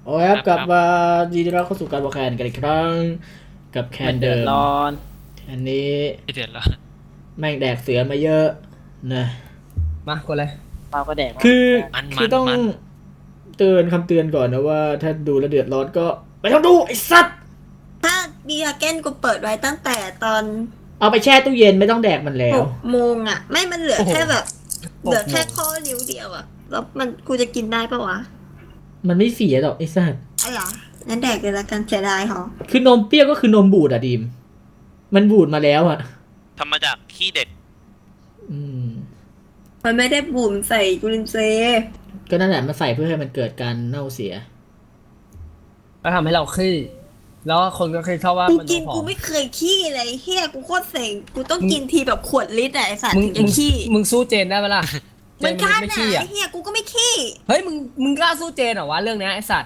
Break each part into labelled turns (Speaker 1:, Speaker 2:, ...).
Speaker 1: โอ้ยครับกลับมายินดีต้อนรับเข้าสู่การวอลแคนกันอีกครั้งกับแคนเดิมอันนี้
Speaker 2: ไม่เดือดร้อน
Speaker 1: แม่งแดกเสือมาเยอะนะ
Speaker 3: มากดเลย
Speaker 4: เราก็แดก
Speaker 1: คือต้องเตือนคำเตือนก่อนนะว่าถ้าดูแล้วเดือดร้อนก็ไม่ต้องดูไอ้สัตว์
Speaker 5: ถ้าบีฮาเก้นกูเปิดไว้ตั้งแต่ตอน
Speaker 1: เอาไปแช่ตู้เย็นไม่ต้องแดกมันแล้ว
Speaker 5: 6 โมงอ่ะไม่มันเหลือแค่แบบเหลือแค่ข้อนิ้วเดียวอ่ะแล้วมันกูจะกินได้ปะวะ
Speaker 1: มันไม่เสียหรอกไอ้สัตว์
Speaker 5: อะไรงั้นแดกเลยละกันเสียดายหรอ
Speaker 1: คือนมเปรี้ยวก็คือนมบูดอะดีมมันบูดมาแล้วอะ
Speaker 2: ทำมาจากขี้เด็ก
Speaker 5: มันไม่ได้บุ่มใส่จุลินทรีย์
Speaker 1: ก็นั่นแหละมันใส่เพื่อให้มันเกิดการเน่าเสีย
Speaker 3: แล้วทำให้เราขี้แล้วคนก็เคยเข้าว่า
Speaker 5: กูกินกูไม่เคยขี้เลยเฮียกูโคตรเซ็งกูต้องกินทีแบบขวดลิตรไอ้สัตว์ถึงจะขี้
Speaker 3: มึงสู้เจนได้ไหมล่ะ
Speaker 5: มันกล้าหนาเฮียกูก็ไม่ขี้
Speaker 3: เฮ้ยมึงกล้าสู้เจนเหรอวะเรื่องนี้ไอ้สัตว์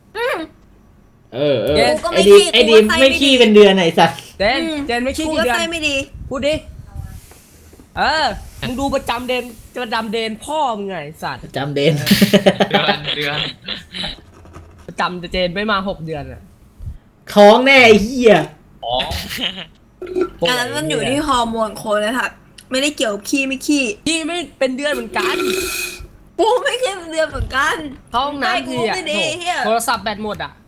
Speaker 1: ไอ้ดีมไม่ขี้เป็นเดือนไอ้สัตว์
Speaker 3: เจนไม่ขี้กี่เดือน
Speaker 5: ไม่ดี
Speaker 3: พูดดิมึงดูประจำเดนพ่อมึงไงสัตว์
Speaker 1: ประจำเดน
Speaker 2: เดือน
Speaker 3: ประจำเจนไม่มา6 เดือนอะ
Speaker 1: ท้องแน่ไอ้เหี้ย
Speaker 5: อันนั้นมันอยู่ที่ฮอร์โมนคนเลยค่ะไม่ได้เกี่ยวกับขี้ไม่ขี้
Speaker 3: ไม่เป็นเดือนเหมือนกัน
Speaker 5: กูไม่เคยเป็นเดือนเหมือนกัน
Speaker 3: ห้องน้ำทีอะโทรศัพท์แบตหมดอะ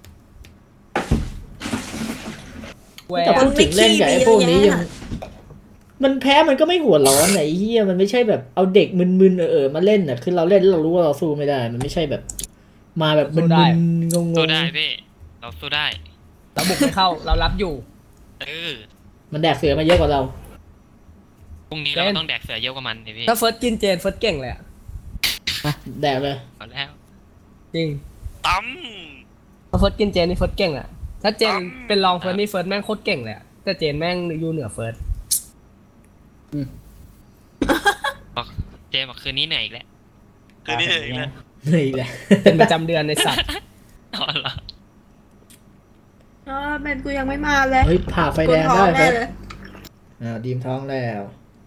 Speaker 1: แต่พูดถึงเล่นกับไอ้พวกนี้ยังมันแพ้มันก็ไม่หัวร้อนไอ้เหี้ยมันไม่ใช่แบบเอาเด็กมึนๆมาเล่นน่ะคือเราเล่นเรารู้ว่าเราสู้ไม่ได้มันไม่ใช่แบบมาแบบมึนๆงงๆ
Speaker 2: สู้ได้พี่เราสู้ได้
Speaker 3: เราบุกไม่เข้าเรารับอยู่
Speaker 1: มันแดกเสือมาเยอะกว่าเรา
Speaker 2: พรุ่งนี้เราต้องแดกเสือเยอะกว่ามันพี่
Speaker 3: ถ้าเฟิร์สกินเจนเฟิร์สเก่งเลยอะ
Speaker 1: แดกเลย
Speaker 2: เอาแล้ว
Speaker 3: จริง
Speaker 2: ตั้ม
Speaker 3: ถ้าเฟิร์สกินเจนนี่เฟิร์สเก่งอะถ้าเจนเป็นรองเฟิร์สนี่เฟิร์สแม่งโคตรเก่งเลยอะแต่เจนแม่งอยู่เหนือเฟิร์ส
Speaker 2: บอกเจบอกคืนนี้เหนื่อยอีกแล้วคืนนี้เหนื่อยอีกแล้ว
Speaker 3: เป็นประจำเดือนในสัตว์
Speaker 5: เป็นกูยังไม่มาเลย
Speaker 1: เฮ้ยผ่าไฟแดงได้เฟิร์สดีมท้องแล้ว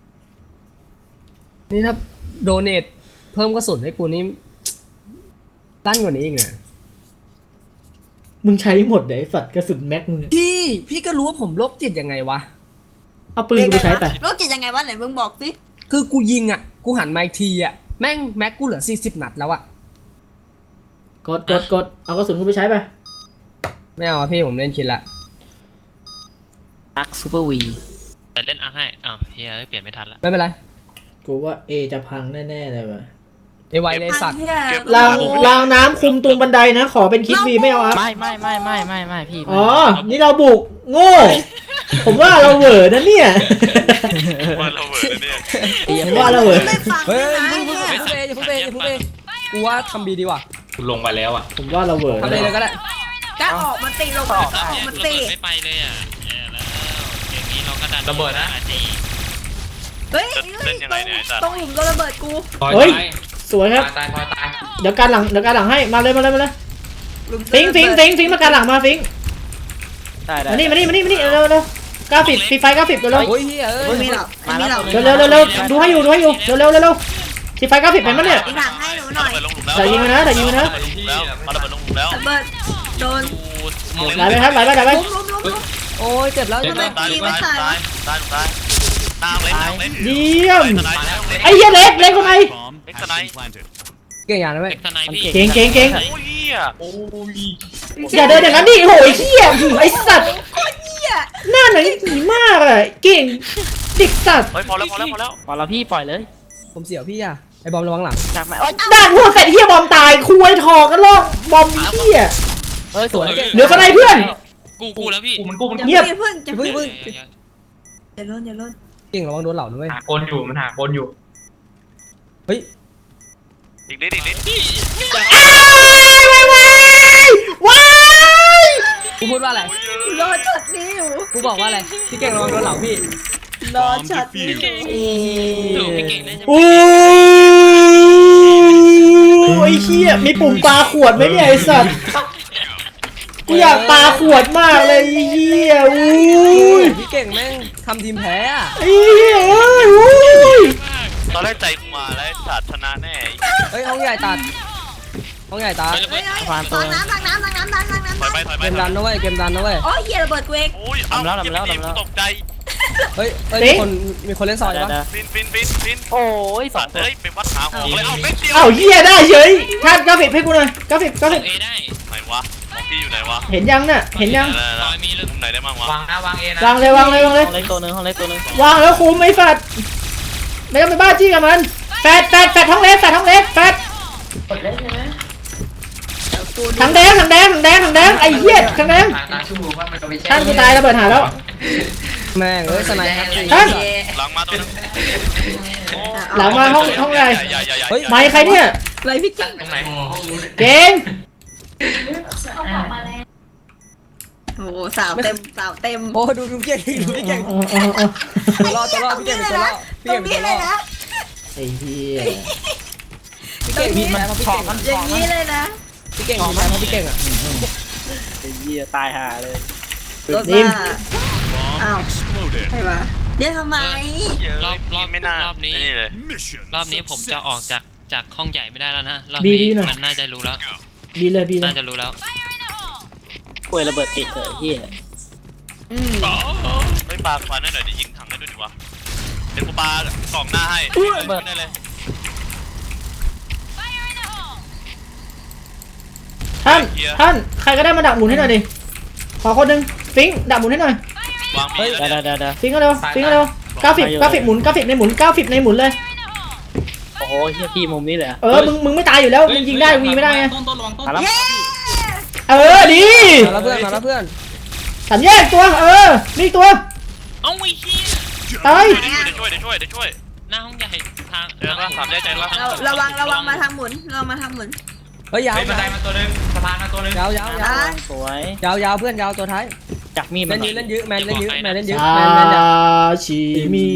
Speaker 3: นี่ถ้าโดเนทเพิ่มกระสุนให้กูนี่ตั้นกว่านี้อีกนะ
Speaker 1: มึงใช้หมดเลยสัตว์กระสุนแม็กมึง
Speaker 3: พี่ก็รู้ว่าผมโรคจิตยังไงวะ
Speaker 1: เอาปืนกูใช้แต่
Speaker 5: โรคจิตยังไงวะไหนมึงบอกสิ
Speaker 3: คือกูยิงอ่ะกูหันมาอีกทีอ่ะแม่งแม็กกูเหลือ40 นัดแล้วอ่ะ
Speaker 1: กดเอากระสุนกูไปใช้ไป
Speaker 3: ไม่เอาพี่ผมเล่นคิดละ
Speaker 4: อักซูเปอร์วี
Speaker 2: แต่เล่นอักให้เฮียเปลี่ยนไม่ทันละ
Speaker 3: ไม่เป็นไร
Speaker 1: กูว่าเอจะพังแน่ๆเลยว่ะ
Speaker 3: ไวเลยสัตว์
Speaker 1: รางน้ำคุมตรงบันไดนะขอเป็นคิดวีไม่เอา
Speaker 4: ไม่พี่
Speaker 1: อ๋อนี่เราบุกโง่ผมว่าเราเหวอนะเนี่ย
Speaker 2: ว่าเราเหวอเนี่ย
Speaker 1: ผมว่าเราเหวอ
Speaker 3: เฮ้ยพูดเองกูว่าทำบีดีกว่า
Speaker 2: ลงไปแล้วอ่ะ
Speaker 1: ผมว่าเราเหวอ
Speaker 3: ทำเลยก็ได้
Speaker 5: จะออกมาตีลงออกมาตี
Speaker 2: ไม่ไปเลยอ่ะแล้วอย่างนี้เราก็ดันระเบิดนะ
Speaker 5: เฮ้ยตรงหลุมโดนระเบิดกู
Speaker 1: เฮ้ยสวยครับเดี๋ยวการหลังให้มาเลยฟิงมาการหลังมาฟิงมานี่เร็วกราฟิกฟีไฟกราฟิกเร็ว
Speaker 3: โอ้ย
Speaker 5: ไม่มีหรอก
Speaker 1: เร็วดูให้อยู่เร็วฟีไฟกราฟิกเป็นมั้ยเนี่ย
Speaker 5: หลังให้หนูหน่อย
Speaker 1: แต่ยิงนะ
Speaker 2: แล้วมาระเบิดลงหลุมแล้ว
Speaker 5: ระเบิดโดน
Speaker 1: ไหลไปครับไหลไป
Speaker 3: โอ้ยเจ็บแล้ว
Speaker 2: ตายตามเล็ก
Speaker 1: เยี่ยมไอ้เหี้ยเล็กทำไม
Speaker 3: เก่งอย่างนั้นไหม
Speaker 1: เก่ง
Speaker 2: โอ้ย
Speaker 1: อย่าเดินอย่างนั้นดิโหยเหี้ยไอ้สัตว์หน้าหนังผีมากอะเก่งเด็กสัตว์
Speaker 2: พอแล้ว
Speaker 4: พี่ปล่อยเลย
Speaker 3: ผมเสียวพี่อะไอ้บอมระวังหลัง
Speaker 1: ด่านหัวเสร็จเหี้ยบอมตายคุยทอกันลอกบอมเหี้ย
Speaker 3: สวย
Speaker 1: เหลือสไนเพื่อน
Speaker 2: กูแล้วพี่
Speaker 5: มันเงียบเพิ่งอย่าล้น
Speaker 3: เก่งระวังโดนเหล่าด้วย
Speaker 2: หาคนอยู่มันหาคนอยู่
Speaker 3: เฮ้ย
Speaker 2: ดิ๊ก
Speaker 1: ว้าย
Speaker 3: กูพูดว่าอะไร
Speaker 5: รอช็อตนี้อยู่
Speaker 3: กูบอกว่าอะไรพี่เก่งระวังโดนเหล่าพี่
Speaker 5: รอช็อตนี้
Speaker 1: โอ้ยเหี้ยมีปุ่มปลาขวดไหมเนี่ยไอ้สัตว์กูอยากปลาขวดมากเลยเหี้ย
Speaker 3: พี่เก่งแม่งทำทีมแพ้อะ
Speaker 1: เหี้ย
Speaker 2: ตอนแรกใจกูมาแล้วสัตว์ชนะแน่
Speaker 3: เฮ้ยห้องใหญ่ตัด
Speaker 5: วางน้ำำ
Speaker 6: ถอยไปถอย
Speaker 3: เก
Speaker 6: ไป
Speaker 3: มดันนะเว้ยเกมดันนะเว้ย
Speaker 5: โอ้ยเหี้ยระเบิดกูเอง
Speaker 6: โอ้ยเอ้าตกใจ
Speaker 3: เฮ้ยมีคนเล่นซอย
Speaker 4: เดี๋ยว
Speaker 3: ปะ
Speaker 4: เดี๋ยว
Speaker 6: ฟิน
Speaker 4: โอ้ยสอ
Speaker 6: สั
Speaker 4: ง
Speaker 6: ตว์
Speaker 4: ตัว
Speaker 6: เอ้ยเป็นวัดหาของเลยเอาเม็ดเดียว
Speaker 1: เอ้าเหี้ยได้เฉยท่านกราฟิกให้กูหน่อยกราฟิก
Speaker 2: เอได้
Speaker 6: ไหนวะของพี่อยู่ไหนวะ
Speaker 1: เห็นยังน่ะเห็นยัง
Speaker 2: ซอยมีเลย
Speaker 6: มุมไหนได้บ้างวะ
Speaker 2: วางนะวางเอนะ
Speaker 1: วางเลยวางเลยวางเลย
Speaker 4: ห้องเล็กตัวหนึงห้องเล็กตัวหนึง
Speaker 1: วางแล้วคุมไอ้สัตว์ไม่ต้องไปบ้าจี้กับมันแฟดท้องเล็กแฟดถังแดงไอ้เหี้ยถังแดงท่านกูตายระเบิดหาแล้ว
Speaker 3: แม่งเอ้ยสไนด์ครับ
Speaker 1: ท่าน
Speaker 6: หลังมาตัวนึง
Speaker 1: หลังมาห้องใหญ่
Speaker 3: เฮ้ย
Speaker 1: ไม้ใครเนี่ย
Speaker 5: อะไรพี่เก่ง
Speaker 2: ตรงไหน
Speaker 1: เก่ง
Speaker 5: โอ้สาวเต็ม
Speaker 3: โอ้ดูพี่เก่งดูพี่เก่งตัวรอดพี่เก่งเป็นตัวรอดพี่
Speaker 5: ตร
Speaker 3: เก่ง
Speaker 5: ง
Speaker 3: เป็น
Speaker 5: นี้
Speaker 3: ตัวร
Speaker 5: เล
Speaker 3: อย ด
Speaker 5: นะ
Speaker 1: ไอ้เหี้ย
Speaker 3: พี่เก่งมีแพ้เพราะพี่เก่ง
Speaker 5: อย่างนี้เลยนะ
Speaker 3: พี่เก่งมีแพ้เพราะพี่เก่งอ่ะ
Speaker 4: ไอ้เหี้ยตายห่าเลย
Speaker 5: รถว่าอ้าวใช่ปะเดี๋ยวทำไม
Speaker 2: รอบ
Speaker 6: ไม่น่าร
Speaker 2: อบนี้
Speaker 6: นี่เลย
Speaker 2: รอบนี้ผมจะออกจากห้องใหญ่ไม่ได้แล้วนะรอบนี้มันน่าจะรู้แล้ว
Speaker 1: บีเลย
Speaker 2: น่าจะรู้แล้ว
Speaker 4: ป่วยระเบิดติดเลยเหี้ย
Speaker 6: เฮ้ยปลาควันได้หน่อยดิยิงถังได้ด้วยดิวะเดี๋ยวกูปลากล่องหน้าให้เบิดได้เลย
Speaker 1: ท่านใครก็ได้มาดักหมุนให้หน่อยดิขอคนหนึ่งฟิงดักหมุนให้หน่อยว
Speaker 6: างมี
Speaker 4: เดี๋ยว
Speaker 1: ฟิงก็เร็วกราฟิกหมุนกราฟิกในหมุนเลย
Speaker 4: โอ้โหเหี้ยพี่มุมนี้เลยอะ
Speaker 1: มึงไม่ตายอยู่แล้วมึงยิงได้วีไม่ได้ไง
Speaker 4: มาแล้ว
Speaker 1: ดี
Speaker 3: มาแล้วเพื่อน
Speaker 1: สามแยกตัวนี่ตัว
Speaker 2: เอ้าไอ้เหี้ย
Speaker 1: ตาย
Speaker 6: เดี๋ยวช่วย
Speaker 2: หน้าห้องใหญ่ทาง
Speaker 6: เจอปะสามแยกใจปะ
Speaker 5: ระวังมาทางหมุนเรามาทางหมุน
Speaker 3: เฮ้ยยาว
Speaker 2: บันไดมาตัวนึงสะพานมาตัวนึง
Speaker 3: ยาว
Speaker 4: สวย
Speaker 3: เพื่อนยาวตัวท้าย
Speaker 4: จักมีด
Speaker 3: เล่
Speaker 4: มัน น
Speaker 3: ยื้อเล่นยื้อแมนเล่นยื้อแมนเล่นยื้อ
Speaker 1: ชา
Speaker 3: แมนจะ
Speaker 1: ชิมี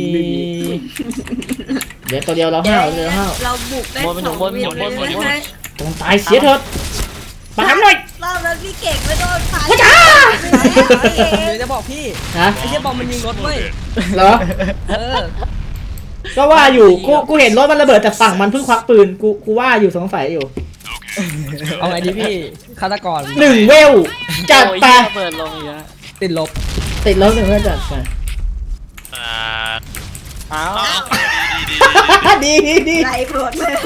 Speaker 1: เดี๋ยวตัวเดียวเราห้าว
Speaker 5: เราบุกได้2 วิเลย
Speaker 1: ต้องตายเสียเถิดปามหน่อย
Speaker 5: รอบนั้นพี่เก่งไม่โดนพา
Speaker 1: พระจ้า
Speaker 3: เดี๋ยวจะบอกพี่
Speaker 1: ฮะ
Speaker 3: ไอ้เหี้ยบอมมันยิงรถเว้ย
Speaker 1: เหรอ ก็ว่าอยู่กูเห็นรถมันระเบิดจากฝั่งมันเพิ่งควักปืนกูว่าอยู่สงสัยอยู่
Speaker 3: เอาไงดีพี่ฆาตกร
Speaker 1: 1 เวลจัดไป
Speaker 4: ระเบิดลงอีกแล้ว
Speaker 3: ติดลบ
Speaker 1: ติดลบ1 เวลจัดไป
Speaker 4: อ้าว
Speaker 1: ดี
Speaker 5: ไรโปรดเลย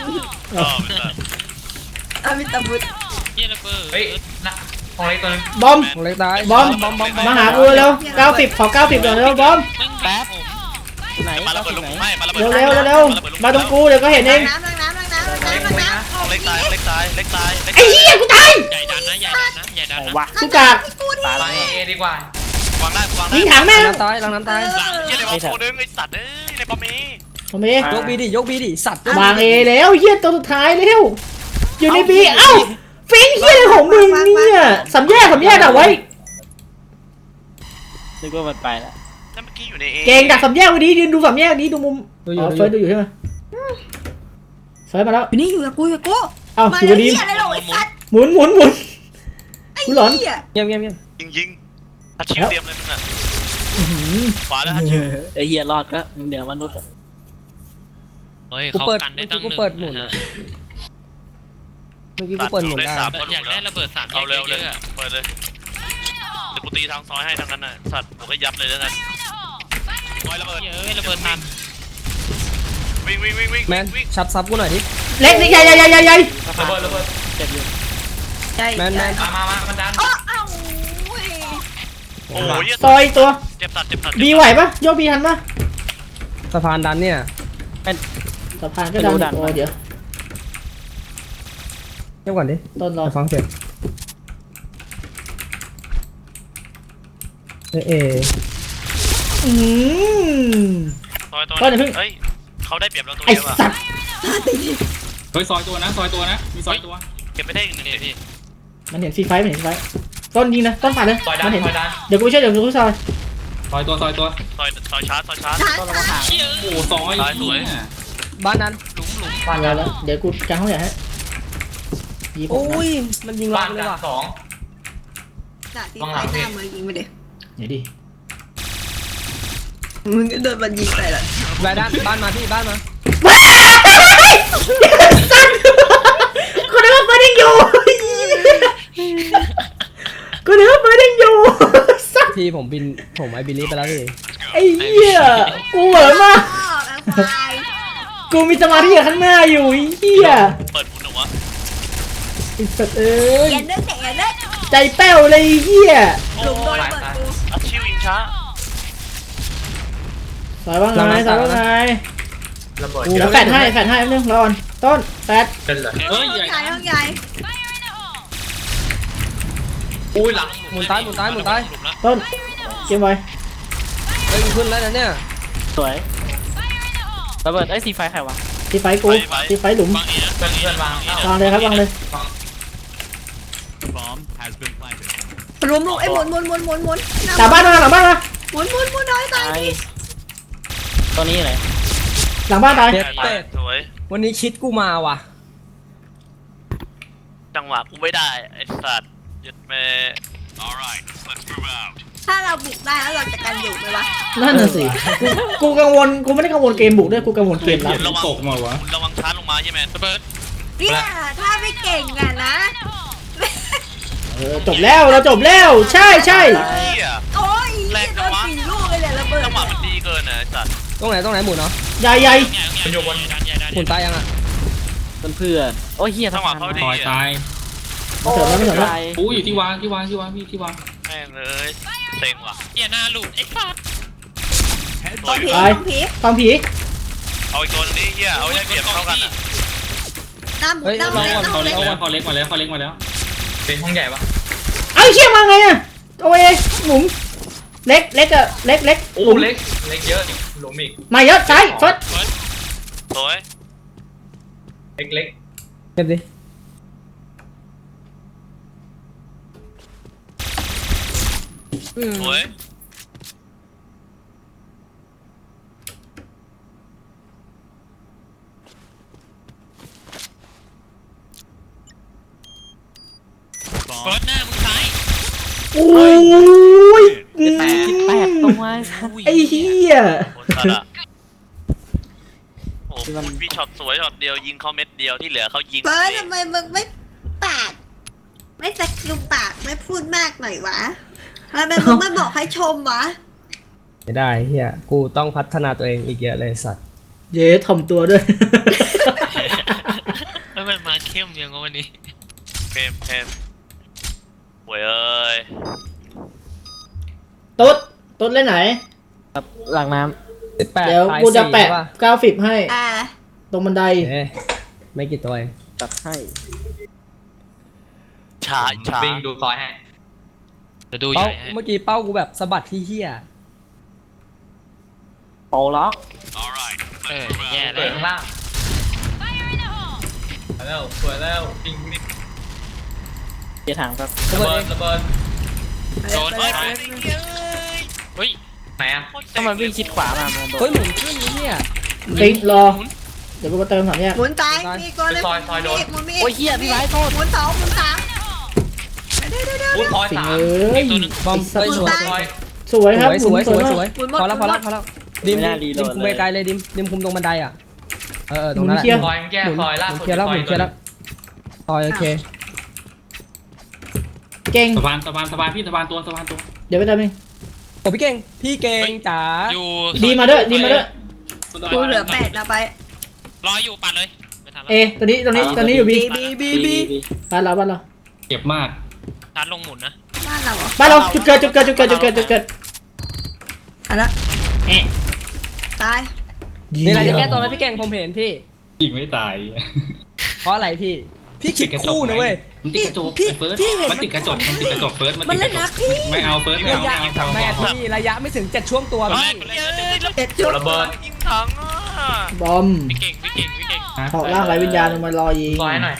Speaker 5: อามิตาบุตร
Speaker 2: เหี้ยระเบิดเฮ้ยนะห้องเล็กตัวนึง
Speaker 1: บอม
Speaker 3: ของเล็กตาย
Speaker 1: บอมมาหากูเร็ว90ขอ90ก่อนเร็วบอม
Speaker 4: แป๊บไหน
Speaker 6: ปลาระเบิดลงให้ปลาระเบิด
Speaker 1: เร็วมาตรงกูเดี๋ยวก็เห็นเอง
Speaker 5: น้ำ
Speaker 6: เล็กตาย
Speaker 1: ไอ้เหี้ยกูตาย
Speaker 2: ใหญ่ดันนะ
Speaker 4: วะ
Speaker 1: กูกาก
Speaker 4: ตายแล้ว
Speaker 2: เอดีกว่า
Speaker 6: วางได้
Speaker 1: ยิงถังแม่ง
Speaker 3: น้ำตายหลังน้ำตาย
Speaker 6: เยี่ยในบอลโคนึงไอสัตว์เอ้ยในบอลมี
Speaker 1: ทำไม
Speaker 3: ยกบีดิสัตว์
Speaker 1: วางเอแล้วเหี้ยตัวสุดท้ายเร็วอยู่ในบีเอ้าฟิงเหี้ยอะไรของมึงเนี่ยสามแยกดักไว้
Speaker 4: นึกว่ามันไปแล้ว
Speaker 6: นั่นเมื่อกี้อยู่ในเอ
Speaker 1: เก่งดักสามแยกวันนี้ยืนดูสามแยกนี้ดูมุมเฟิร์สดูอยู่ใช่ไหมเฟิร์สมาแล้ว
Speaker 5: อยู่นี่อยู่กับกู
Speaker 1: เอ้า
Speaker 5: มา
Speaker 1: อยู่
Speaker 5: แล้ว
Speaker 1: ดี
Speaker 5: เหี้ยอะไรหรอไอ้สัตว์
Speaker 1: หมุนกูหลอน
Speaker 5: เหี้ย
Speaker 3: เงียบ
Speaker 6: ยิงฮัตชิวเตรียมเลยมึงอ่ะขวาแล้วฮัตชิว
Speaker 4: ไอ้เหี้ยรอดก็เดี๋ยวมนุษย์
Speaker 2: เฮ้ย
Speaker 3: กู
Speaker 2: เขา
Speaker 3: เปิด
Speaker 2: กันได้ตั้ง
Speaker 3: กูเปิดหมุนเมื่อกี้กูเปิดหมุนได้
Speaker 2: อยากได้ระเบิด3
Speaker 6: เอาเร็ว
Speaker 2: เย
Speaker 6: เลย
Speaker 2: อะ
Speaker 6: เปิดเลยเดี๋ยวกูตีทางซอยให้ทางนั้นน่ะสัตว์ผมก็ยับเลยแล้วกันซอยระเบิด
Speaker 2: เยอะระเบิดทัน
Speaker 6: วิ่ง
Speaker 3: แมนชัดซับกูหน่อยดิ
Speaker 1: เล็กนี่ใหญ่
Speaker 2: ระเบิด
Speaker 4: เจ็บอยู่
Speaker 5: ใช่
Speaker 3: แมน
Speaker 2: มามันดัน
Speaker 5: อ้าว
Speaker 6: โอ้ย
Speaker 1: ซอยตัว
Speaker 6: เจ็บสัตว์
Speaker 1: บีไหวปะโยกบีทันปะ
Speaker 3: สะพานดันเนี่ย
Speaker 1: สะพานก็ดันโอ้เดี๋ยว
Speaker 3: เงียบก่อนดิ
Speaker 1: ต้นรอ
Speaker 3: ฟังเสียงเอ
Speaker 6: ซอยตัวเฮ้ยเขาได้เปรียบเราตัว
Speaker 1: ไอ้
Speaker 6: เดียวอ่ะ
Speaker 1: สัตว์
Speaker 7: เฮ้ยซอยตัวนะมีซอยตัว
Speaker 6: เก็บไม่ได้อีกหนึ่ง
Speaker 2: พี่
Speaker 1: มันเห็นฟรีไฟต้นยิงนะต้นผ่านเลยมันเห็นเดี๋ยวกูช่วยซอย
Speaker 7: ซอยตัว
Speaker 6: ซอยชาร์จ
Speaker 4: ต้องระวังหาง
Speaker 7: โอ้ซอยสวย
Speaker 3: บ้านนั้น
Speaker 2: หลุม
Speaker 1: ผ่านแล้วเดี๋ยวกูกันห้องใหญ่ให้ยิง
Speaker 3: โอ้ยมันยิงล็อกเลยว่ะ
Speaker 5: ด่าตีไฟหน้ามือยิงไปเด็
Speaker 1: เดี๋ยวดิ
Speaker 5: มึงก็โดนมันยิงไปละ
Speaker 3: รายด้านบ้านมาพี่บ้านมา
Speaker 1: สัตว์กูนึกว่ามันยังอยู่
Speaker 3: พี่ผมบินผมไอบิลลี่ไปแล้วพี่
Speaker 1: ไอ้เหี้ยกูเหมือนมาก
Speaker 5: ไอ้ควาย
Speaker 1: กูมีสมาธิกับข้างหน้าอยู่ไอ้เหี้ย
Speaker 6: เปิดบุญหนูวะ
Speaker 1: ไอ้สัตว์เอ้ย
Speaker 5: อย่าเลิกอย่าเลิก
Speaker 1: ใจแป้วเลยไอ้เหี้ย
Speaker 5: หลุมโดนเปิดกู
Speaker 6: อาชิวอิงช้า
Speaker 1: สายว่าไงสายว่าไงกูจะแฟดให้แป๊บนึงรอก่อนต้นแฟด
Speaker 7: เฮ้ย
Speaker 5: ห้อง
Speaker 7: ใหญ่
Speaker 5: ใหญ่ห้องใหญ่
Speaker 7: อุ้ยหลัง
Speaker 3: หมุนซ้ายหมุนซ้ายหมุนซ้าย
Speaker 1: ต้นเกมไว้
Speaker 3: เฮ้ยขึ้นแล้วนะเนี่ย
Speaker 4: สวยระเบิดไอ้สีไฟใครวะ
Speaker 1: ที่ไฟกูที่ไฟหลุม
Speaker 6: บางอีนะบางอีนะบางอีนะ
Speaker 1: วางเลยครับวางเลย
Speaker 5: หลุมไอ้หมุนหมุน
Speaker 1: หลังบ้านมาหลังบ้านมา
Speaker 5: หมุนน้อยตาย
Speaker 4: ไอ้ตัวนี้อะไร
Speaker 1: หลังบ้านตาย
Speaker 3: เด็ดเป็ด
Speaker 6: สวย
Speaker 3: วันนี้คิดกูมาว่ะ
Speaker 6: จังหวะกูไม่ได้ไอ้สัตว์หยุดแม่
Speaker 5: ถ้าเราบุกได้แล้วเราจะกันอยู่ไหมวะ
Speaker 1: นั่นน่ะสิกูกังวลกูไม่ได้กังวลเกมบุกด้วยกูกังวลเกมรับ
Speaker 7: ระวังตกมาวะ
Speaker 6: คุณระวังชาร์จลงมาใช่ไหมระเบิด
Speaker 5: เนี่ยถ้าไม่เก่งอ่ะนะ
Speaker 1: จบแล้วเราจบแล้วใช่ใช่
Speaker 6: เฮีย
Speaker 5: โอ้ยโดน4 ลูกเลยเนี่ยระเบิด
Speaker 6: จังหวะมันดีเกินนะไอ้สัตว์
Speaker 3: ตรงไหนหมุนเนาะ
Speaker 1: ใหญ่ใหญ่
Speaker 2: มันอยู่บนด้านใหญ่ด้าน
Speaker 3: หมุนตายยังอ่ะ
Speaker 4: เพื่อนโอ้ยเฮีย
Speaker 6: จังหวะเขาดี
Speaker 7: ซอยตาย
Speaker 5: โอ้
Speaker 1: เสร็จแล้วไม่เสร็จแล้ว
Speaker 4: ตาย
Speaker 7: อู้อยู่ที่วางพี่พี่ที่วาง
Speaker 6: แม่งเลยเซ็งว่ะ
Speaker 2: เหี้ยหน้าหลุดไอ้สัส
Speaker 6: ตัวอยู่
Speaker 5: ผี
Speaker 1: ฟังผี
Speaker 6: เอาอีกตัวนึงนี่เฮียเอาให้เปรียบเท่ากันอ่ะ
Speaker 5: น้ำหมุนน้ำ
Speaker 7: รอ
Speaker 5: เล็ก
Speaker 7: ก่อนเขา
Speaker 5: น้ำ
Speaker 7: เล็
Speaker 5: เล็
Speaker 7: ก
Speaker 5: ก
Speaker 7: มาแล้วเขาเล็กมาแล้ว
Speaker 2: เป็นห้องใหญ่ปะ
Speaker 1: ไอ้เชี่ยมาไงอ่ะโอ้ยหมุนเล็กอะเล็กหลุม
Speaker 2: เล็กเยอะนี่หลุมอีก
Speaker 1: มาเยอะซ้ายฟด
Speaker 6: สวย
Speaker 2: เล็ก
Speaker 3: เก็บดิ
Speaker 6: สวย
Speaker 2: เฟิร์สหน้ามึงซ้าย
Speaker 1: โอ้ย
Speaker 4: แปดตัว
Speaker 1: ไอ้เหี้ย
Speaker 6: โคตรสัตว์อ่ะโอ้โหคุณพี่ช็อตสวยช็อตเดียวยิงเขาเม็ดเดียวที่เหลือเขายิง
Speaker 5: เฟิร์สทำไมมึงไม่ปากไม่สกิลปากไม่พูดมากหน่อยวะทำไมมึงไม่บอกให้ชมวะ
Speaker 3: ไม่ได้เฮียกูต้องพัฒนาตัวเองอีกเยอะเลยสัตว์
Speaker 1: เย้ถ่อมตัวด้วย
Speaker 2: แล้วมันมาเข้มยังวันนี้
Speaker 6: เพมหวยเอ้ย
Speaker 1: ตุ๊ดเล่นไหน
Speaker 4: หลังน้
Speaker 3: 18
Speaker 1: เดี๋ยว
Speaker 3: ตา
Speaker 1: กูจะ
Speaker 3: 4
Speaker 1: แปะ
Speaker 3: ใช่ป
Speaker 1: กราฟิกให้
Speaker 5: อ่า
Speaker 1: ตรงบันได
Speaker 3: เอ๊ะไม่กี่ตัวเอง
Speaker 4: ำตัดให้
Speaker 6: ชาชา
Speaker 2: วิ่งดูซอยให้จะดูให
Speaker 3: เป้า
Speaker 2: ญ่ให้
Speaker 3: เมื่อกี้เป้ากูแบบสะบัดที่เฮีย
Speaker 4: โปล็อก
Speaker 2: แย่เลยข้างล่างแล้วสวยแล้ววิ่ง
Speaker 4: เกียร์ถังครับ
Speaker 3: ระเบิดเอง
Speaker 2: ระเบิดโดนเฮ้ยไหนอะ
Speaker 4: ถ้ามันวิ่งชิดขวามามันโด
Speaker 3: เฮ้ย
Speaker 4: น
Speaker 3: หมุนขึ้นนี่เนี่ย
Speaker 1: ติ๊กรอ เดี๋ยวกูมาเติมสามแยก
Speaker 5: หมุนซ้ายมีก่อนเลยหมุนมี
Speaker 4: โอ้ยเฮียพี่ไว้โทษ
Speaker 5: หมุน2หมุน3เดี๋ยว
Speaker 2: อุ้ยพอย
Speaker 1: สิง
Speaker 2: สาม
Speaker 1: เอ้ย
Speaker 3: บอม
Speaker 1: ไอ้สัต
Speaker 3: เฮ้ย
Speaker 1: ว์
Speaker 3: สวย
Speaker 1: สวยครับ
Speaker 3: สวยสวย
Speaker 1: หมุน
Speaker 3: สวยพอแล้วดิมคุมไกลเลยดิมคุมตรงบันไดอ่ะตรงนั้นแหละ
Speaker 1: เคลียร์
Speaker 2: ซอยแก้
Speaker 3: หมุน
Speaker 2: ซอยล่า
Speaker 3: หมุ
Speaker 2: สุ
Speaker 3: น
Speaker 2: ด
Speaker 3: เคลียร์แล้วหมุนเคลียร์แล้วซอยโอเค
Speaker 1: เก่ง
Speaker 7: สะพานพี่สะพานตัว
Speaker 1: เดี๋ยวไปเติมเอง
Speaker 3: โอ้พี่เก่งจ๋า
Speaker 2: อยู่
Speaker 1: ดีมาด้วย
Speaker 5: กูเหลือ8นะไป
Speaker 2: รออยู่ปัดเลยไม่ทัน
Speaker 1: เอ
Speaker 2: แล้ว
Speaker 1: ตัวนี้อยู่บี
Speaker 5: บี
Speaker 1: บ้านเรา
Speaker 7: เจ็บมาก
Speaker 2: ชาร์จลงหมุนนะ
Speaker 5: บ้านเราเหรอ
Speaker 1: บ้านเราจุดเกิด
Speaker 5: อันละ
Speaker 1: เอะ
Speaker 5: ตาย
Speaker 3: มีอะไรจะแก้ตัวไหมพี่เก่งผมเห็นพี่
Speaker 7: ยิงไม่ตาย
Speaker 3: เพราะอะไรพี่คิดคู่นะเว้ย
Speaker 7: มันติดกระจกเฟิร์สมันติดกระจกเฟิร์ส
Speaker 5: มันเล่นนะพี่
Speaker 7: ไม่เอาเฟิร์สไม่
Speaker 3: ระยะ
Speaker 7: เอา
Speaker 3: แม่พี่ระยะไม่ถึง7ช่วงตัว
Speaker 2: เฮ้ย
Speaker 3: พี่
Speaker 5: เด็ดจุด
Speaker 2: ระเบิด
Speaker 6: ยิงถังอ่ะ
Speaker 1: บอม
Speaker 2: พี่เก่ง
Speaker 1: เหาะร่างไรวิญญาณลงมารอยิง
Speaker 2: ซอยหน่อย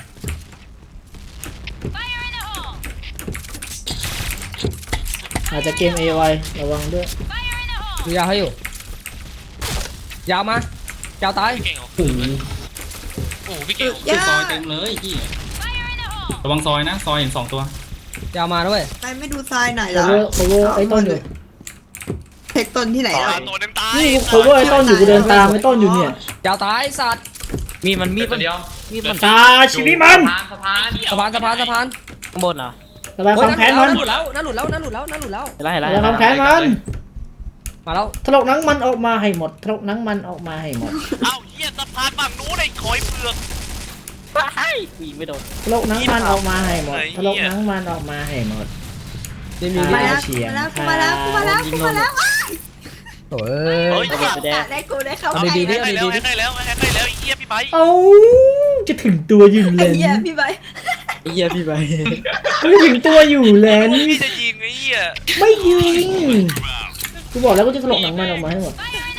Speaker 1: อาจจะเกมเอไวระวังด้วย
Speaker 3: ดูยาวให้อยู่ยาวมายาวตาย
Speaker 2: พี่เก่ง
Speaker 7: โอ้โห
Speaker 2: โอ้พี่เก่ง
Speaker 7: ซอยเต็มเลยพี่ระวังซอยนะซอยเห็น2 ตัวย
Speaker 3: าวมาด้วย
Speaker 5: ไปไม่ดูทรายหน่อยเหร
Speaker 1: โค
Speaker 5: อ
Speaker 1: เวอร์ไอ้ต้นอยู่
Speaker 5: เพชรต้นที่ไหนล่ะ
Speaker 6: ตัวนึงตาย
Speaker 1: นี่โคเวอร์ไอ้ต้นอยู่กูเดินตามไอ้ต้นอยู่เนี่ย
Speaker 3: ยาวตายสัตว์
Speaker 4: มีมันมี
Speaker 2: ตัวเดียว
Speaker 4: มีมัน
Speaker 1: ตาชีวิตมัน
Speaker 2: สะพาน
Speaker 3: สะพาน
Speaker 4: ข้างบนเหรอ
Speaker 1: ระบายความแค้นมัน
Speaker 3: หลุดแล้วน่าหลุดแล้วน่าหลุดแล้วน่าหลุดแล้ว
Speaker 4: ไล่
Speaker 1: ระบายความแค้นมัน
Speaker 3: มาแล้ว
Speaker 1: ถลกหนังมันออกมาให้หมดถลกหนังมันออกมาให้หมด
Speaker 6: เอ้าเฮียสะพานฝั่งนู้นไอ้คอยเปลือก
Speaker 4: ยิงไม่โดน
Speaker 1: ถลกหนังมันออกมาให้หมดถลกหนังมันออกมาให้หมด
Speaker 3: นี่มี
Speaker 5: มาแล้วกูมาแล้วกูมาแล้วกูมาแล้ว
Speaker 3: โอ้
Speaker 6: เฮ้
Speaker 3: ย
Speaker 6: ย
Speaker 5: ได้กูได้เข้า
Speaker 3: เอา
Speaker 5: ไป
Speaker 3: ดีๆดิ
Speaker 6: ให้แล้วให้แล้วให้แล้วไอ้เฮียพี่ไบ
Speaker 1: เอาจะถึงตัวอยู่
Speaker 5: ไอ้
Speaker 1: แล้ว
Speaker 5: เหี้ยพี่ใบ
Speaker 4: ไอ้เหี้ยพี่ไป
Speaker 1: จะถึงตัวอยู่แล้ว
Speaker 6: พี่จะยิงไอ้เฮีย
Speaker 1: ไม่ยิงกูบอกแล้วกูจะถลกหนังมันออกมาให้หมด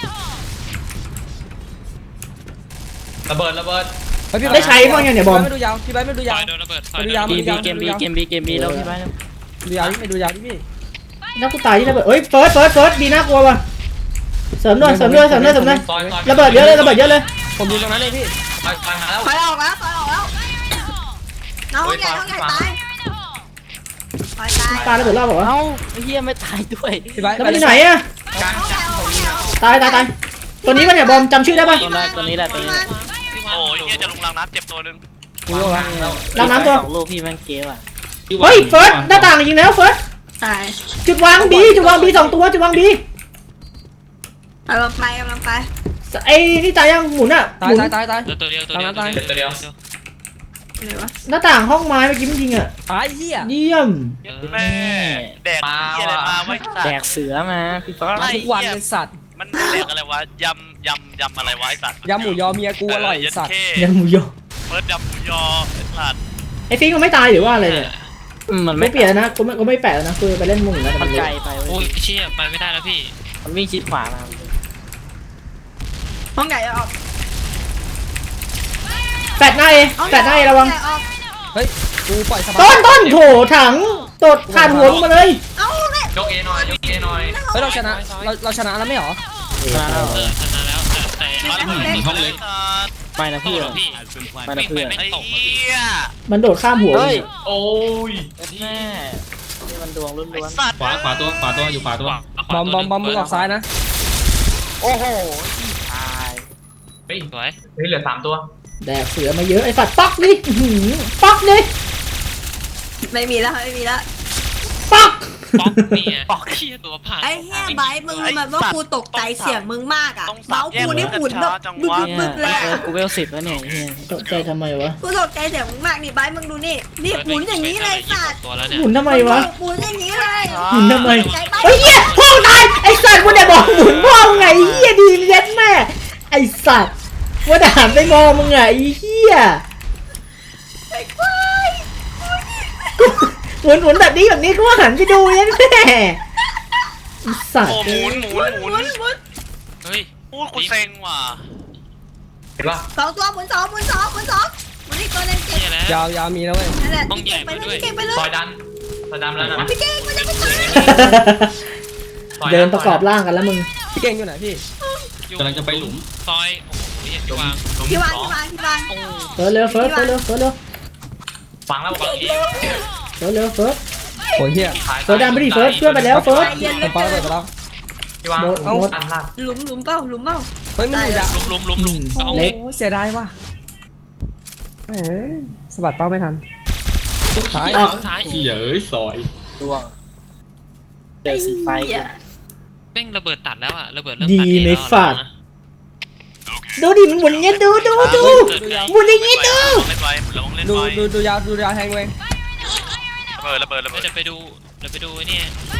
Speaker 7: ระเบิดระเบิด
Speaker 1: ได้ใช้บ้างยังเนี่ยบอม
Speaker 3: ไม่ดูยาวพี่ใบไม่ดูยาว
Speaker 2: โดนระเบิด
Speaker 3: ไม่ดูยาว
Speaker 4: เกมบีแล้วพี่ไปแล้ว
Speaker 3: ดูยาวไม่ดูยาวพี่
Speaker 1: แล้วกูตายที่ระเบิดเอ้ยเฟิร์สบีน่ากลัวว่ะเสริมด้วย
Speaker 7: ซอย
Speaker 1: ระเบิดเยอะเลยระเบิดเยอะเลย
Speaker 3: ผมอยู่ตรงนั้นเลยพี่
Speaker 7: ซอยมาแล้ว
Speaker 5: ถอยออกแล้วถอยออกแล้วน้องใหญ่ตายถอยตาย
Speaker 1: ปาระเบิดรอบบอกว่า
Speaker 4: เอ้าไอ้เหี้ยไม่ตายด้วย
Speaker 3: พี่ใบ
Speaker 1: แล้วมันอยู่ไหนอะ
Speaker 7: กลาง
Speaker 1: ตายตัวนี้ป่ะเนี่ยบอมจำชื่อได้ป่ะ
Speaker 4: ตัวนี้แหละ
Speaker 6: โอ้ยเฮียจะลงรางน้ำเจ็บตัวนึง
Speaker 3: กูโยกแล้ว
Speaker 1: ล้างน้ำตัว
Speaker 4: 2 ลูกพี่แม่งเกว่ะ
Speaker 1: เฮ้ยเฟิร์สหน้าต่างยิงแล้วเฟิร์ส
Speaker 5: ตาย
Speaker 1: จุดวางบีสองตัวจุดวางบี
Speaker 5: กำลังไป
Speaker 1: ไอ้นี่ตายยังหมุนอะห
Speaker 3: ตาย
Speaker 1: มุน
Speaker 3: ตาย
Speaker 2: ตัวเดียว
Speaker 5: ไหนวะ
Speaker 1: หน้าต่างห้องไม้เมื่อกี้มันยิงอะ
Speaker 3: ตายเหี้ย
Speaker 1: เยี่ยม
Speaker 6: แม่แดกเฮียอะไรมาไว้สั
Speaker 4: แด
Speaker 6: ต
Speaker 4: ก
Speaker 6: ว์
Speaker 4: เสือมาพี่ฟ้า
Speaker 3: ทุกวันเป็นสัตว์
Speaker 6: มันแดกอะไรวะยำอะไรวะไอ้สัตว์
Speaker 3: ยำหมูยอเมียกูอร่อยสัตว์
Speaker 1: ยังหมูยอ
Speaker 6: เปิดยำหมูยอไอ้สัตว์
Speaker 1: ไอ้ฟิงมันไม่ตายหรือว่าอะไรเนี่ย
Speaker 4: มัน
Speaker 1: ไม่เปลี่ยนแล้วนะกูไม่แปะแล้วนะคือไปเล่นมุงแล้ว
Speaker 4: มันไกลไป
Speaker 2: โอ้ยเชี่ยไปไม่ได้แล้วพี่
Speaker 4: มันวิ่งชิดขวามา
Speaker 5: ห้องใหญ่ออก
Speaker 1: แปะหน้าเอระวัง
Speaker 3: เฮ้ยกูปล่อยสบาย
Speaker 1: ต้นโถถังตดขาดหัวลงมาเลย
Speaker 5: เอ้าเนี่ย
Speaker 7: ยกเอหน่อยยกเอหน่อย
Speaker 3: เฮ้ยเราชนะเราชนะแล้วไม่หรอ
Speaker 2: ชนะแล้วแต่
Speaker 6: มาแล้วมึงห้องเล็ก
Speaker 4: ไม่นะ
Speaker 2: พี่
Speaker 4: พี่
Speaker 2: หรอพี่
Speaker 4: ไม่นะเพื่อน
Speaker 6: ไอ้เหี้ย
Speaker 1: มันโดดข้ามหัว
Speaker 4: เฮ้ย
Speaker 7: โอ้ย
Speaker 4: แม่นี่มันดวงล้
Speaker 6: ไอ้
Speaker 4: วน
Speaker 6: สัตว์
Speaker 7: ขวาตัวอยู่ขวาตัว
Speaker 3: บอมมึงออกซ้ายนะ
Speaker 4: ๆโอ้โหตาย
Speaker 7: เฮ้ย
Speaker 2: สวย
Speaker 7: เหลือ3ตัว
Speaker 1: แดกเสือมาเยอะไอ้สัตว์ปักนี่ปักนี่
Speaker 5: ไม่มีแล้ว
Speaker 1: ปัก
Speaker 2: ป๊อกนี่ป๊อกเชี่ยตัวผ่าน
Speaker 5: ไอ้เหี้ยไบมึงแบบว่ากูตกใจเสียงมึงมากอ่ะเมาส์กูนี่หมุนแบบบึกเลย
Speaker 4: กูเวล10แล้วเนี่ยเฮีย
Speaker 1: ตกใจทำไมวะ
Speaker 5: กูตกใจเสียงมึงมากนี่ไบมึงดูนี่หมุนอย่างนี้เลยสัตว์
Speaker 2: ตัวแล้วเนี่ย
Speaker 1: หมุนทำไมวะ
Speaker 5: หมุนอย่างนี้เลย
Speaker 1: หมุนทำไม
Speaker 5: ใจไบ
Speaker 1: เฮ้ยเหี้ยพ่อตายไอ้สัตว์กูเนี่ยบอกหมุนพ่อไงเหี้ยดีเย็ดแม่ไอ้สัตว์ว่าด่านไปมองมึงไงไอ้เหี้ย
Speaker 5: ไอ้ควาย
Speaker 1: หมุนแบบนี้กูว่าหันไปดูเย็ดแม่ไอ้สัต
Speaker 6: โอ้
Speaker 1: ว์
Speaker 6: หมุน
Speaker 5: หมุน
Speaker 2: เฮ้ย
Speaker 6: พูดกูเซ็งว่ะ
Speaker 7: เห็นป่ะ
Speaker 5: สองตัวหมุนนี่ตัวนึงเก่ง
Speaker 2: เชี่ยแล้ว
Speaker 3: ยาวมีแล้วเว้ย
Speaker 5: นั่นแหละ
Speaker 2: ต้องใหญ่มาด้วย
Speaker 5: เก่งไปเลย
Speaker 7: ซอยดันแล้วนะ
Speaker 5: พี่เก่งมันจะไม่ตาย
Speaker 1: เดินประกอบร่างกันแล้วมึง
Speaker 3: พี่เก่งอยู่ไหนพี่
Speaker 7: กำลังจะไปหลุม
Speaker 2: ซอยโอ้โหเหี้ยที่วาง
Speaker 5: พี่วาง
Speaker 1: เฟิร์สเร็วเฟิร์สเร็ว
Speaker 7: ฟังแล้วบอก
Speaker 1: เร็วเฟิร์ส
Speaker 3: โอ้ยเหี้ย
Speaker 1: เฟิร์สดันไปดิเฟิร์สเพื่อนไปแล้วเฟิร์ส
Speaker 3: ผมปาระเบิดไปแล้ว
Speaker 7: ที่วาง
Speaker 1: หมด
Speaker 7: อันล่าง
Speaker 5: หลุมเปล่า
Speaker 3: เฮ้ยมันอยู่ยาว
Speaker 2: ลุม
Speaker 3: โอ้เสียดายว่ะสะบัดเป้าไม่ทันท้าย
Speaker 2: ซ้าย
Speaker 7: เย้ยซอย
Speaker 4: ดวงเจอสีไฟ
Speaker 2: เป้งระเบิดตัดแล้วอะระเบิดเริ่ม
Speaker 1: ดี
Speaker 2: ตัด
Speaker 1: ในฝาดดูดิมันหมุนอย่างเงี้ยดูหมุนอย่างงี้ดู
Speaker 6: เล่นไว้ลงเล่น
Speaker 3: ดู
Speaker 6: ไว้
Speaker 3: ดูยาวแทงเว้ย
Speaker 6: ระเบิด
Speaker 2: เดี๋ยวไปดูไอ้นี่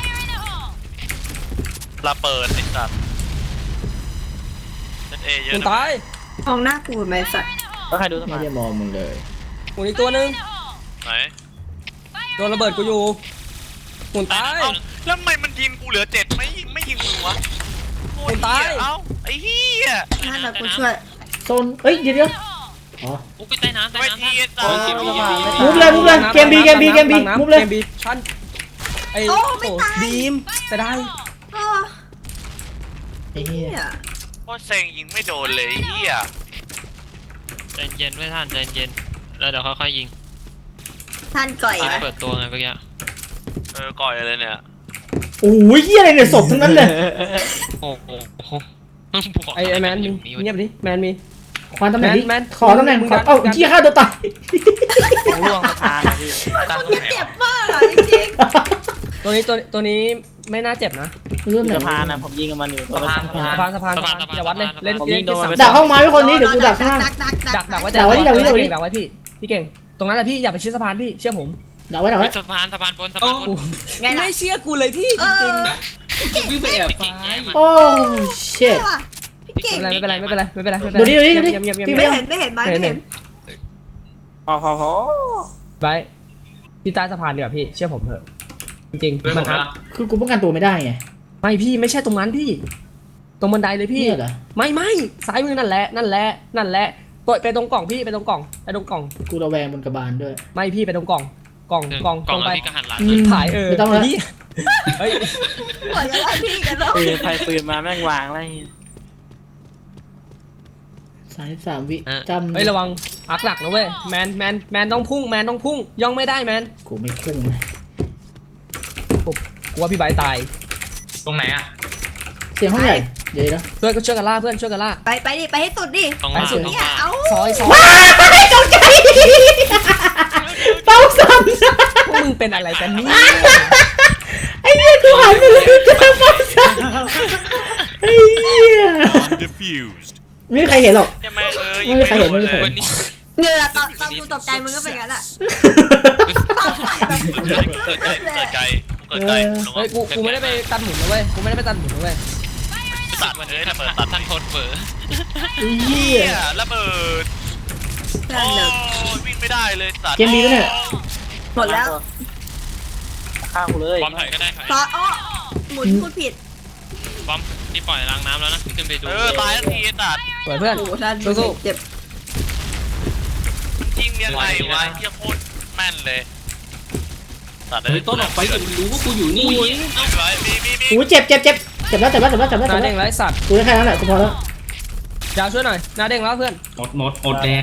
Speaker 6: ระเบิดไอ้สัตว์เล่นเอเยอะ
Speaker 3: คุณ
Speaker 6: นะ
Speaker 3: ตาย
Speaker 5: มองหน้ากูไหมสัตว์
Speaker 4: แล้วใครดูส
Speaker 1: ไม่
Speaker 4: มา
Speaker 1: ได้มองมึงเลย
Speaker 3: หมุนอีกตัวนึง
Speaker 6: ไหน
Speaker 3: โดนระเบิดกูอยู่หมุนตาย
Speaker 6: เอ้าแล้วทำไมมันยิงกูเหลือ7ไม่ยิงมึงวะโอ้ย
Speaker 3: คนตาย
Speaker 6: เอ้าไอ้เหี้ย
Speaker 5: น่าจะกูช่วย
Speaker 1: โซนเอ้ยเดี๋ยวอ๋อ
Speaker 2: โอ้ไปใต้น้ำ
Speaker 6: ไม่ทีสัตว์
Speaker 1: มุกเลยเกมบีมุกเลย
Speaker 3: ชั้นไอ้บีมแต่ได้
Speaker 5: โอ้
Speaker 1: ไอ้เหี้ย
Speaker 5: เนี่ย
Speaker 6: โคตรเซ็งยิงไม่โดนเลยไอ้เหี้ย
Speaker 2: ใจเย็นไว้ท่านใจเย็นแล้วเดี๋ยวค่อยๆยิง
Speaker 5: ท่านก่อย
Speaker 2: ยิง
Speaker 5: ไหม
Speaker 2: เปิดตัวไงเมื่อกี้
Speaker 6: ก่อยเลยเนี่ย
Speaker 1: โอ้ยเหี้ยอะไรเนี่ยศพทั้งนั้นเลย
Speaker 2: โอ้โห
Speaker 3: ไอ้แมนมีเงียบดิแมนมี
Speaker 1: ขอตำแหน่ง
Speaker 3: แมน
Speaker 1: ขอตำแหน่งเอ้าเหี้ยฆ่าตัวตาย
Speaker 4: ร่วงประธานพี่
Speaker 5: มันจะเจ็บมากอ่ะจริง
Speaker 3: ตัวนี้ไม่น่าเจ็บนะ
Speaker 1: เรื่อง
Speaker 4: อยู่
Speaker 1: ไหน
Speaker 4: สะพานนะผมยิงกับมันอยู่ตัว
Speaker 3: สะพานอย่าวัดเลยเล่น
Speaker 4: ผมยิงโดนมัน
Speaker 1: ดักห้องไม้ไว้คนนี้เดี๋ยวกูดักข้าง
Speaker 3: ดักไว้
Speaker 1: ดักไว้ดักไว้ดักไว้
Speaker 3: ดักไว้พี่เก่งตรงนั้นแหละพี่อย่าไปชิดสะพานพี่เชื่อผม
Speaker 1: ดักไว้ดักไว้
Speaker 2: สะพานบนสะพานบน
Speaker 5: ไงล่ะ
Speaker 3: ไม่เชื่อกูเลยพี่
Speaker 5: เอ
Speaker 3: จริ
Speaker 5: อง
Speaker 7: วิ่งไปแอบ
Speaker 2: เก่ง
Speaker 7: ซ้าย
Speaker 2: แย่มาก
Speaker 1: โอ้เชิต
Speaker 5: พี่เก่ง
Speaker 3: ไม่เป็นไรไม่เป็นไร
Speaker 1: ดูดิ
Speaker 3: เงียบ
Speaker 5: ไม่เห็นไหมไม่เห็น
Speaker 4: พอ
Speaker 3: ไปพี่ใต้สะพานดีกว่าพี่เชื่อผมเถอะจริง
Speaker 7: เพื่อน
Speaker 3: ๆ
Speaker 7: ผ
Speaker 3: มัน
Speaker 7: ม
Speaker 3: อัพ
Speaker 7: นะ
Speaker 1: คือกูป้องกันตัวไม่ได้ไง
Speaker 3: ไม่พี่ไม่ใช่ตรงนั้นพี่ ตรงบันไดเลยพี่
Speaker 1: เนี่ยเหรอ
Speaker 3: ไม่ซ้ายมือนั่นแหละไปตรงกล่องพี่ไปตรงกล่อง
Speaker 1: กูระแวงบนกระบาลด้วย
Speaker 3: ไม่พี่ไปตรงกล่องต
Speaker 2: กล่
Speaker 3: ร
Speaker 2: อง
Speaker 3: งไป
Speaker 2: แล้วพี่ก็หันหลัง
Speaker 3: ถ่าย
Speaker 1: ไม่ต้องแล้ว
Speaker 3: พี่เฮ้ย
Speaker 5: ปล่อยกันแล้วพี่กันแล้ว
Speaker 4: ปืนมาแม่งวางอะไร
Speaker 1: 33 วิจำ
Speaker 3: เฮ้ยระวังอักหลักนะเว้ยแมนต้องพุ่งย่องไม่ได้แมน
Speaker 1: กูไม่พุ่งเลย
Speaker 3: กูว่าพี่ใบตาย
Speaker 7: ตรงไหนอ่ะ
Speaker 1: เสียงห้องใหญ่เดี๋ยวนะ
Speaker 3: เพื่อนก็ช่วยกันล่า
Speaker 5: ไปดิไปให้สุดดิ
Speaker 2: ต้องมาต้อง
Speaker 5: เนี่ย
Speaker 2: มา
Speaker 5: เอา
Speaker 3: ซอย
Speaker 1: ตกใจเป้าสั่น
Speaker 3: พวกมึงเป็นอะไรกันเนี่ย
Speaker 1: ไอ้เหี้ยกูหันไปเลยเจอเป้าสั่นไอ้เหี้ย
Speaker 8: Diffused.
Speaker 1: ไม่มีใครเห็นหรอก
Speaker 2: ใช่ไหม
Speaker 1: ไม่มีใครเห็นไม่มีใครเห็
Speaker 2: วัน นนี้
Speaker 5: เหงื่อตอนกูตกใจมึงก็เป็นงั้นแหละ
Speaker 6: เกิดไกล
Speaker 3: เฮ้ยกูไม่ได้ไปตัดหมุนนะเว้ย
Speaker 6: ตัดมันเลยระเบิดตัด
Speaker 2: ทั้งคนเฝอ
Speaker 1: ไอ้เหี้
Speaker 6: เฮี
Speaker 1: ย
Speaker 6: ยระเบิด
Speaker 5: นั่นเลย
Speaker 6: วิ่งไม่ได้เลยสัตว์
Speaker 1: เกมดีปะเนี่ย
Speaker 5: หมดแล้ว
Speaker 4: ฆ่ากูเลย
Speaker 2: บอมถอยก็ได้ถอย
Speaker 5: ซอสอ้อหมุนพูดผิด
Speaker 2: บอมนี่ปล่อยล้างน้ำแล้วนะขึ้นไปดู
Speaker 6: ตายทันทีตัด
Speaker 3: สวยเพื่อน
Speaker 5: โอ้ท่าน
Speaker 3: สู้
Speaker 5: เจ็บ
Speaker 6: ยิงยังไงวะเฮียโคตรแม่นเลยตัดเล
Speaker 7: เฮ้ย
Speaker 6: ย
Speaker 7: ต้นออกไปแต่มันรู้ว่ากูอยู่นี่
Speaker 6: มี
Speaker 1: โอ้ยเจ็บแล้ว
Speaker 3: หน้าเด้งไรสัตว์
Speaker 1: กูได้แค่นั้นแหละกูพอแล้ว
Speaker 3: ดาวช่วยหน่อยหน้าเด้งแล้วเพื่อน
Speaker 7: หมดแดก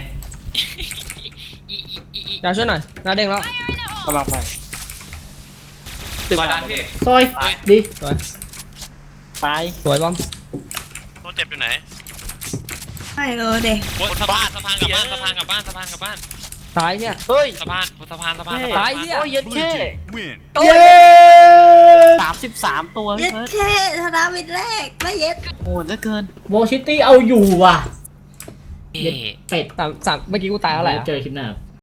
Speaker 3: ดาวช่วยหน่อยหน้าเด้งแล้ว
Speaker 4: กำลังไป
Speaker 7: ตึกบาดาลพี่
Speaker 1: ซอยดี
Speaker 3: สวย
Speaker 4: ไป
Speaker 3: สวยบอม
Speaker 6: ตัวเจ็บอยู่ไหน
Speaker 5: ไม่เลยเด็ก
Speaker 2: บนสะพานกลับบ้านสะพานกลับบ้าน
Speaker 3: ตายเนี่ย
Speaker 4: เฮ้ย
Speaker 2: สะพานสะพาน
Speaker 3: ตายเนี่ย
Speaker 4: โอ้ยเย็ด
Speaker 8: Blue
Speaker 4: แค่
Speaker 8: team win.
Speaker 1: เย้
Speaker 4: 33 ตัว
Speaker 5: เย็
Speaker 4: พี่
Speaker 5: ด
Speaker 4: เฟิร์ส
Speaker 5: เท่ธนาวิทแรกไม่เย็ด
Speaker 4: โหดเหลือเกิน
Speaker 1: วอลซิตี้เอาอยู่ว่ะ
Speaker 2: เอ๊ะ
Speaker 1: เป็ด
Speaker 3: สามเมื่อกี้กูตายเท่าไหร่อะ
Speaker 1: เจอคลิปหน้าครับ